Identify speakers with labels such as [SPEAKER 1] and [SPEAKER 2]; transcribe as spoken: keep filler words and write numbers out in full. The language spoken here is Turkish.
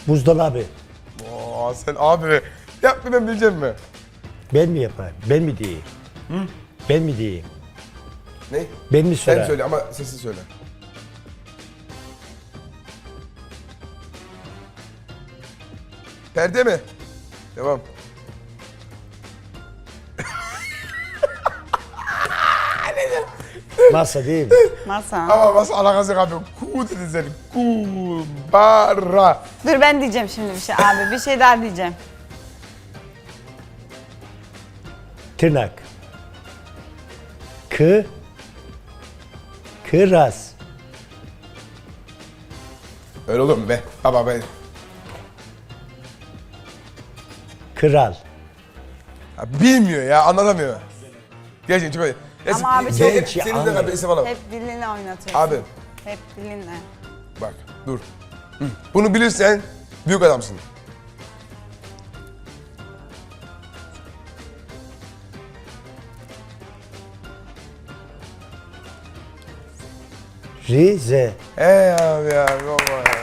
[SPEAKER 1] Buzdolabı.
[SPEAKER 2] Oo, sen abi yap bir ben bileceğim mi?
[SPEAKER 1] Ben mi yapayım? Ben mi diyeyim?
[SPEAKER 2] Hı?
[SPEAKER 1] Ben mi diyeyim?
[SPEAKER 2] Ne?
[SPEAKER 1] Ben mi
[SPEAKER 2] Sen
[SPEAKER 1] söyleyeyim?
[SPEAKER 2] söyle ama sessiz söyle. Perde mi? Devam.
[SPEAKER 1] Masa değil mi?
[SPEAKER 3] Masa.
[SPEAKER 2] Ama nasıl alakası yok abi? Ku dedin sen. Kubara.
[SPEAKER 3] Dur ben diyeceğim şimdi bir şey abi. Bir şey daha diyeceğim.
[SPEAKER 1] Tırnak. Kı. Kıraz.
[SPEAKER 2] Öyle olur mu be? Baba be.
[SPEAKER 1] Kral.
[SPEAKER 2] Ya bilmiyor ya, anlatamıyor. Gerçekten çok iyi. Neyse,
[SPEAKER 3] Ama abi çok-
[SPEAKER 2] senin-
[SPEAKER 1] Gerçi
[SPEAKER 2] Senin de
[SPEAKER 1] anlıyor.
[SPEAKER 2] bir isim alalım.
[SPEAKER 3] Hep dilinle oynatıyorsun.
[SPEAKER 2] Abi
[SPEAKER 3] Hep dilinle.
[SPEAKER 2] bak dur. Hı. Bunu bilirsen büyük adamsın.
[SPEAKER 1] Rize.
[SPEAKER 2] Hey abi ya baba ya.